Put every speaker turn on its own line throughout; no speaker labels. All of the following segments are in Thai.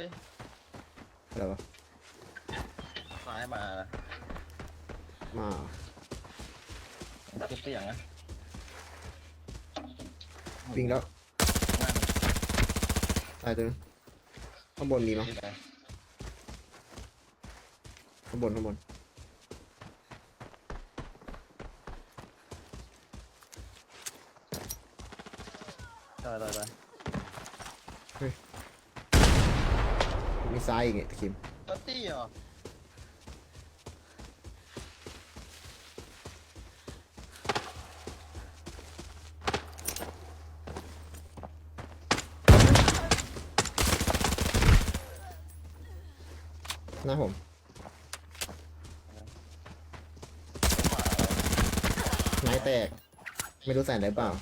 อ้ย
อะไรวะ
ซ้ายมา
มา
เก็บเสียงนะ
วิ่งแล้ว
นั่น
ตายตัวนึงข้างบนมีมั้ย
ที่ไหน
ข้างบน
ตาย
มีซ้ายอีกเนี่ยตะคิม
ตัดตี้เหรอ
หน้าผมไม้แตกไม่รู้ใส่ได้เปล่า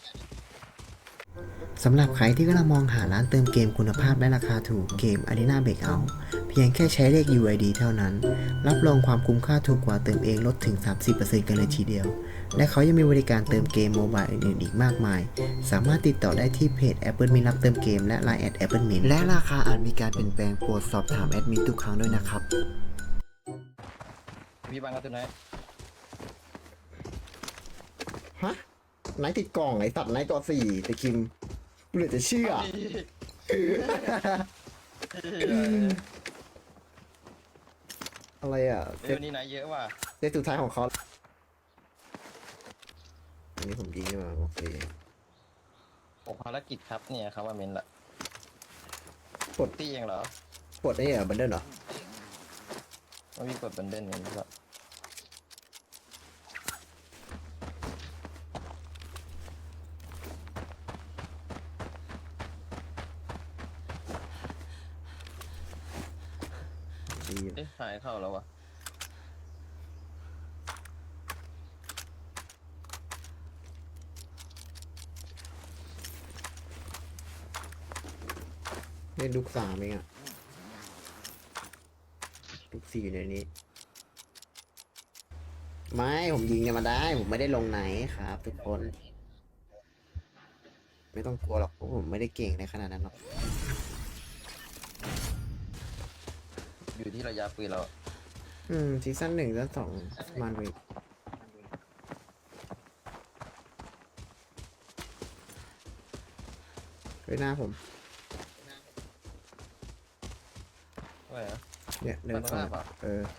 สำหรับใครที่กำลังมองหาร้านเติมเกมคุณภาพและราคาถูกเกม Arena Breakout เพียงแค่ใช้เลข UID เท่านั้น รับรองความคุ้มค่าถูกกว่าเติมเองลดถึง 30% กันเลยทีเดียว และเขายังมีบริการเติมเกมโมบายอื่นๆอีกมากมาย สามารถติดต่อได้ที่เพจ Apple Mint รับเติมเกมและ Line Apple Mint และราคาอาจมีการเปลี่ยนแปลงโปรดสอบถามแอดมินทุกครั้งด้วยนะครับ
พี่บังกับตัวไหน
ฮะไนท์ติดกล่องไอ้ตัดไนท์กอสี่ตะคิมกูเหลือจะเชื่ออะไรอ่ะเซ
เดี๋ย
ต
วนี้ไหนเยอะว่ะ
สุดท้ายของเขาอันนี้ผมยิงมาโอเค
ผมภารกิจครับเนี่ยครับว่าเมนละ
กด
ตี้เองเหรอก
ดได้เหรอบันเดิลเหรอ
ว่าพี่กดบันเดิลเองหรือเปล่า
ดีอยู่
เอ๊ะหายเข้าแล้ววะ
เล่นลูก3เองอ่ะลูก4อยู่ในนี้ไม่ผมยิงกันมาได้ผมไม่ได้ลงไหนครับทุกคน ไม่ต้องกลัวหรอกเพราะผมไม่ได้เก่งในขนาดนั้นหรอก
อยู่ที่ระยะปืนเรา
ซีซั่น1ซีซั่น2ประมาณนี้เฮ้ยหน้าผม
อะไรนะ
เนี่ยเดิน
ฝั่งตรงหน้า
เข้า
เปล่า
เออ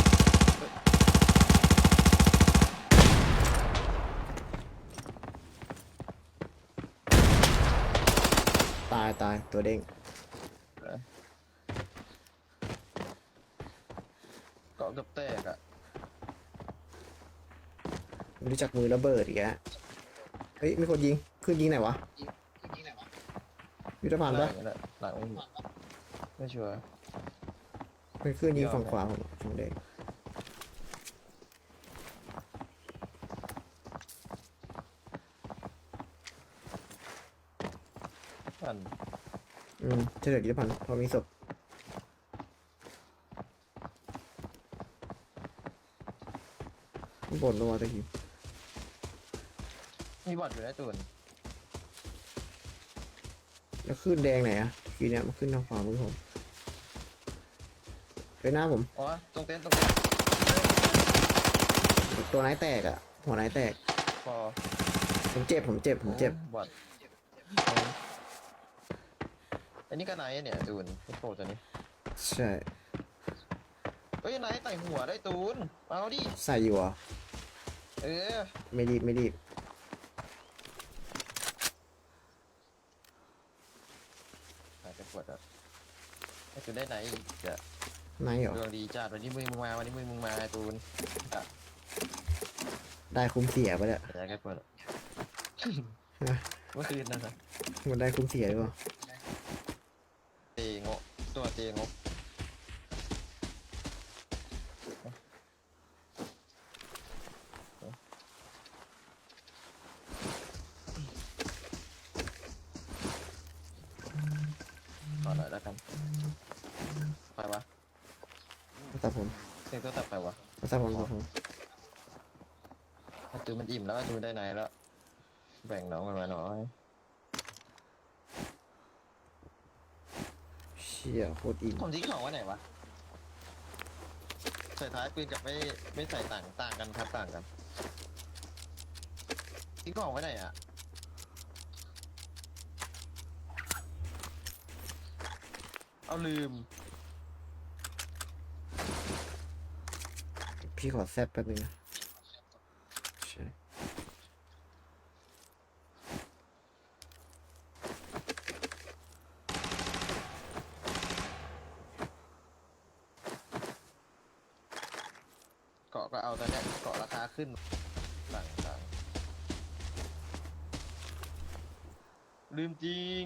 ตายตัวเด้ง
เกาะกับแตกอะ
ไม่รู้จักมือระเบิดอีกแล้วเฮ้ยมีคนยิงขึ้นยิงไหนวะยุทธภัณฑ์ปะ
นี่แหละหลังไม่ชัวร์
เป็นขึ้นยิงฝั่งขวาผมฝั่งแดง
อัน
เฉลิมยุทธภัณฑ์พอมีศพข้างบนลงมาตะกี้
มีบอดอยู่ในตูน
แล้วขึ้นแดงไหนอะทีเนี้ยมันขึ้นทางขวามือผมไปหน้าผม
อ๋อตรงเต็นท์ตรงเต็นท์
ตัวไหนแตกอะหัวไหนแตก
พอ
ผมเจ็บ
บอดอันนี้ก็ไหนเนี่ยตูนไอ้โปรตัวนี้
ใช่
เฮ้ยไหนไต่หัวได้ตูนเอาดิ
ใส่อยู่เหรอ
เออ
ไม่รีบ
หายไปปวดอ่ะให้ตูนได้ไหนอีกอะ
ไหนเหรอ
ดวงดีจัดวันนี้มึงมาวันนี้มึงมาไอ้ตูนอะ
ได้คุ้มเสียปะเนี่ย
อยากให้ปวดอะ
นะ
เมื่อคืนนะครับ
มันได้คุ้มเสียหรือเปล่า
เตงกตัวเตงกต่อหน่อยแล้วกันไปวะ
ภาษาผม
เสียงตัวตัดไปวะ
ภาษาผม
ไอ้ตูนมันอิ่มแล้วไอ้ตูนได้ไหนแล้วแบ่งน้องมันมาหน่อย
เชชี่ยโคตรอิ่ม
ผมทิ้งของไว้ไหนวะใส่ท้ายปืนกับไม่ใส่ต่างกันครับต่างกันทิ้งของไว้ไหนอ่ะเอาลืม
พี่ขอแซบแป๊บนึงนะใช่
เกาะก็เอาแต่เนี้ยเกาะราคาขึ้นต่างลืมจริง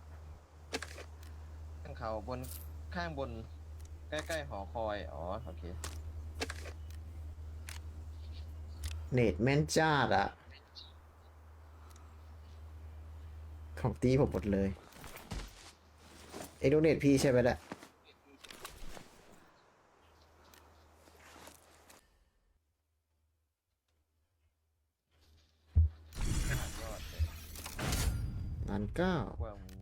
ข้างเขาบนข้างบนใกล้ๆหอคอยอ๋อโอเค
เนตแม่นจ้าดอะของตีผมหมดเลยเอ็กโดเนตพี่ใช่ไหมแหละ
ยอดเลย
ล้านเก้า
ว่ามึง